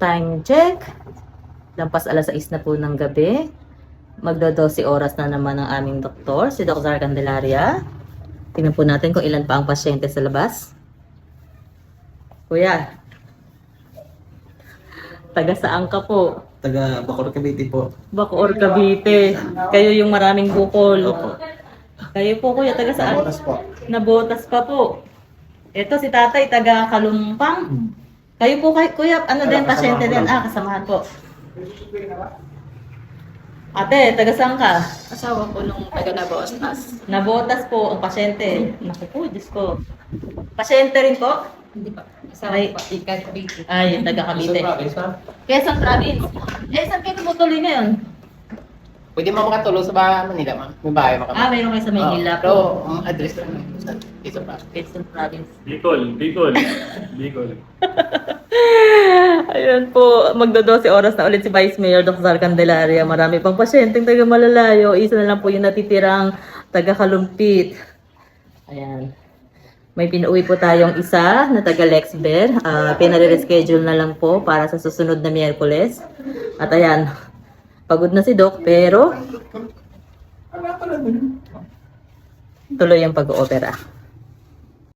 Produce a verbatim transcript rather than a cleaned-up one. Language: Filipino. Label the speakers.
Speaker 1: Time check. Lampas alas sais na po ng gabi. Magdo-dose oras na naman ang aming doktor, si Doctor Candelaria. Tingnan po natin kung ilan pa ang pasyente sa labas. Kuya, taga saan ka po?
Speaker 2: Taga Bacoor, Cavite po.
Speaker 1: Bacoor, Cavite. Kayo yung maraming bukol.
Speaker 2: Opo.
Speaker 1: Kayo po kuya, taga saan?
Speaker 2: Nabotas po.
Speaker 1: Nabotas pa po. Ito si tatay, taga Kalumpang. Kayo po kay kuya, ano din,
Speaker 2: Kasamahan
Speaker 1: pasyente
Speaker 2: ko
Speaker 1: din.
Speaker 2: lang.
Speaker 1: Ah, kasamahan po. Ate, taga saan ka?
Speaker 3: Asawa ko nung taga Nabotas.
Speaker 1: Nabotas po ang pasyente. Naku po, Diyos ko. Pasyente rin po?
Speaker 3: Hindi pa. Asawa
Speaker 1: Ay.
Speaker 3: ko pa. Ika, Cavite.
Speaker 1: Ay, taga Cavite.
Speaker 2: Province, ma'am?
Speaker 1: Quezon Province. Eh, saan kayo tumutuloy ngayon?
Speaker 4: Pwede mo makatulong sa bahay Manila, ma'am. May bahay mo kami.
Speaker 1: Ah, mayroon kayo sa Maynila
Speaker 4: Pero,
Speaker 1: po.
Speaker 4: ang address lang. Ito pa.
Speaker 1: Quezon Province.
Speaker 5: Bicol, Bicol, Bicol.
Speaker 1: Ayun po, magdodose oras na ulit si Vice Mayor Doctor Candelaria. Marami pang pasyenteng taga malalayo. Isa na lang po yung natitirang taga Kalumpit. Ayan. May pinauwi po tayong isa na taga Lexber. Uh, Pinare-reschedule na lang po para sa susunod na Miyerkules. At ayan, pagod na si Doc pero tuloy ang pag-oopera.